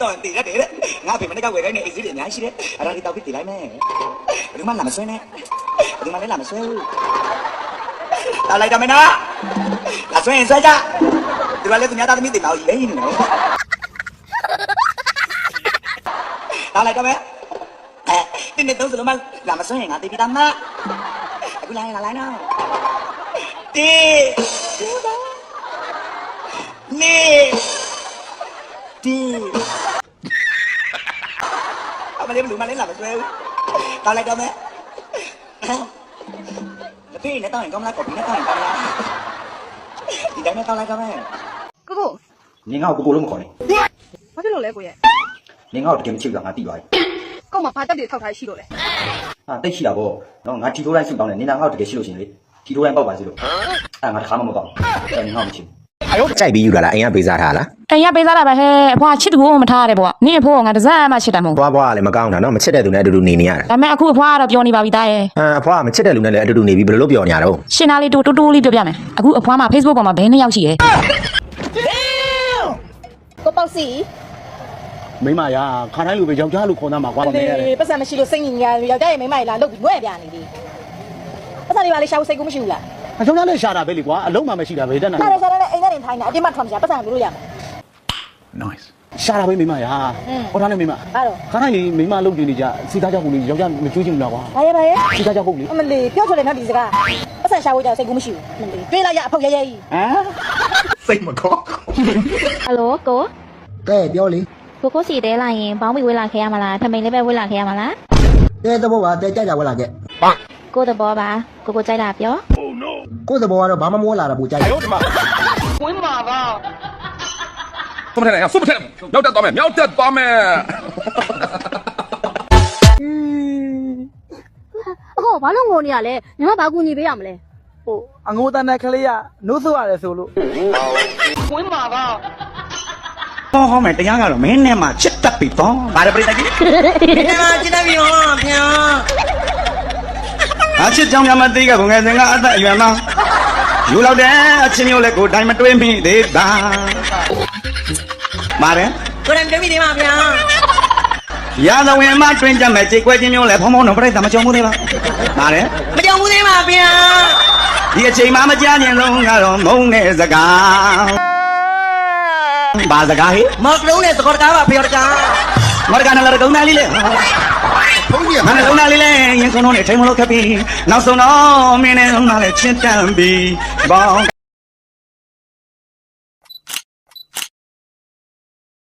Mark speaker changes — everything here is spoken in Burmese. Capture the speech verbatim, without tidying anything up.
Speaker 1: တော့တည်ရတယ်ငါဖေမနေ့ကဝယ်ခိုင်းနေအိတ်စီးတွေအများကြီးရှိတယ်အဲ့ဒါလေးတောက်ပြီးတည်လိုက်မယ်ဘယ်သူမှလာမဆွဲနဲ့ဘယ်သူမှလည်းလာမဆွဲဘူးတောက်လိုက်တော့မနော်လာဆွဲရင်ဆွဲကြဒီကလည်းသူများသားသမီးတင်တော့ရေးနေနော်တောက်လိုက်တော့မယ်တင်းနေတော့စလုံးမလာမဆွဲရင်ငါတည်ပြီးသားမအခုလာရင်လာလိုက်နော်တီနေတီအမလေးဘလူးမလေးလာမဆွဲဘူးတောက်လိုက်တော့မယ်လက်ဖေးနဲ့တောက်ရင်ကောင်းလားကော်ဖီနဲ့တောက်ရင်ကောင်းလားဒီတိုင်းနဲ့တောက်လိုက်တော့မယ်
Speaker 2: ကိုကို
Speaker 1: နင်ငါ့ကိုကိုလို့မခေါ်နဲ့
Speaker 2: ဘာဖြစ်လို့လဲကိုရဲ့
Speaker 1: နင်ငါ့ကိုတကယ်မချစ်ဘူးလားငါသိသွားပြီ
Speaker 2: ကို့မှာဘာတက်တွေထောက်ထားရှိလို့လဲ
Speaker 1: ဟာတိတ်ရှိတာပေါ့နော်ငါထီထိုးတိုင်းစုတောင်းတယ်နင်ငါ့ကိုတကယ်ရှိလို့ရှင်လေထီထိုးတိုင်းပေါက်ပါစေလို့အဲ့ငါတခါမှမပေါက်ဘူးနင်ငါ့ကိုမချစ်ဘူး
Speaker 3: ကြိုက်ပြီးယူလာလားအိမ်ကပေးစားထားလား
Speaker 4: အိမ်ကပေးစားတာပဲဟဲ့အဖွာချစ်သူကိုမထားရတယ်ပေါ့နင့်အဖိုးကငါတစက်မှချစ်တယ်မို့
Speaker 3: ဘွားဘွားကလည်းမကောင်းတာနော်မချစ်တဲ့သူနဲ့အတူတူနေနေရတာ
Speaker 4: ဒါပေမဲ့အခုအဖွာကတော့ပြောနေပါပြီသားရဲ့
Speaker 3: ဟမ်အဖွားကမချစ်တဲ့လူနဲ့လည်းအတူတူနေပြီးဘယ်လိုလုပ်ပြောနေရတော့
Speaker 4: ရှင်သားလေးတူတူတူလေးပြောပြမယ်အခုအဖွားမှာ Facebook ပေါ်မှာဘယ်နှစ်ယောက်ရှိရဲ့
Speaker 2: ကိုပေါ့စီ
Speaker 5: မိမရာခါတိုင်းလူပဲယောက်ျားလူခေါ်သားမှာကွာပါမယ်ရတယ်
Speaker 2: ပတ်စံမရှိလို့စိတ်ညစ်ညာယောက်ျားရဲ့မိမကြီးလာလုတ်ပြီးငွဲ့ပြနေပြီပတ်စံလေးပါလေရှာဖို့စိတ်ကူးမရှိဘူးလား
Speaker 5: အယောက်ျားလည်းရှာတာပဲလေကွာအလုံးမှမရှိတာပဲတက်နိုင်
Speaker 2: ရှာတယ်ရှာတယ်အိမ်ထဲနေထိုင်တာအတင်းမှထွက်မရှာပတ်စံလို့ရမယ်
Speaker 5: nice ရှာတာပဲမိမရာဟောထားနေမိမ
Speaker 2: အဲ့တော့
Speaker 5: ခါတိုင်းမိမလုတ်ကြည့်နေကြစီသားကြောက်ကိုလေယောက်ျားမကြွေးချင်ဘူးလားကွာ
Speaker 2: ဘာရဲဘာရဲ
Speaker 5: စီသားကြောက်ဟုတ်လေ
Speaker 2: အမလေးပြောချင်တယ်နော်ဒီစကားပတ်စံရှာဖို့ကြောက်စိတ်ကူးမရှိဘူးအမလေးတွေးလိုက်ရအဖေရဲရဲကြီး
Speaker 5: ဟမ်စိတ်မကော
Speaker 6: ဟယ်လိုကို
Speaker 7: ကဲပြောလေ
Speaker 6: ကိုကိုစီတဲလာရင်ဘောင်းမီဝေးလာခဲ့ရမလားထမိန်လေးပဲဝေးလာခဲ့ရမလား
Speaker 7: တဲသဘောကတဲကြကြဝက်လာခဲ့
Speaker 6: ကိုသဘောပါကိုကိုကြိုက်တာပြော
Speaker 7: ကိုသဘောကတော့ဘာမှမဝက်လာတာပူကြိုက်တယ်
Speaker 5: ဝင်မှာပါ
Speaker 8: ဆုမထဲနဲ့ဆုမထဲမြောက်တက်သွားမယ်မြောက်တက်သွားမယ်
Speaker 6: အော်ဘာလို့ငိုနေရလဲညီမဘာကူညီပေးရမလဲ
Speaker 5: ဟိုအငိုးတန်းတဲ့ကလေးကနိုးဆိုရတယ်ဆိုလို့ဝင်မှာပါ
Speaker 1: ဟောဟောမယ်တရားကတော့မင်းနဲ့မှချစ်တတ်ပြီပေါ့ဗါရပရိသတ်ကြီးမင်းနဲ့မှချစ်တတ်ပြီဟောဗျာအချစ်ကြောင့်မသိကဘုံငယ်စင်ကအသက်အရွယ်မှာယူလောက်တဲ့အချင်းမျိုးလည်းကိုတိုင်းမတွေးမိသေးတာပါတယ်
Speaker 2: ကိုယ်တိုင်တွေးမိသေးပါဗျာ
Speaker 1: ရာဇဝင်မှာတွင်ကြမဲ့ကြေကွဲချင်းမျိုးလည်းဖုံဖုံတော့ပြိတ္တာမကြုံဘူးသေးလားပါတယ်
Speaker 2: မကြုံဘူးသေးပါဗျာ
Speaker 1: ဒီအချိန်မှမကြားခြင်းလုံးကတော့မုန်းတဲ့စကားဘာစကားဟိ
Speaker 2: မောက်လုံးနဲ့သကောတကားပါဖေရကား
Speaker 1: မော်ဂန်လာကုန်းသားလေးလေ
Speaker 7: ဘုန်းကြီးက
Speaker 1: မနဲ့ကုန်းသားလေးလေရင်ကုန်းလုံးနဲ့ထိန်မလို့ခပ်ပြီးနောက်ဆုံးတော့မင်းနဲ့လုံးသားလေးချင်းတန်ပြီးဘောင်း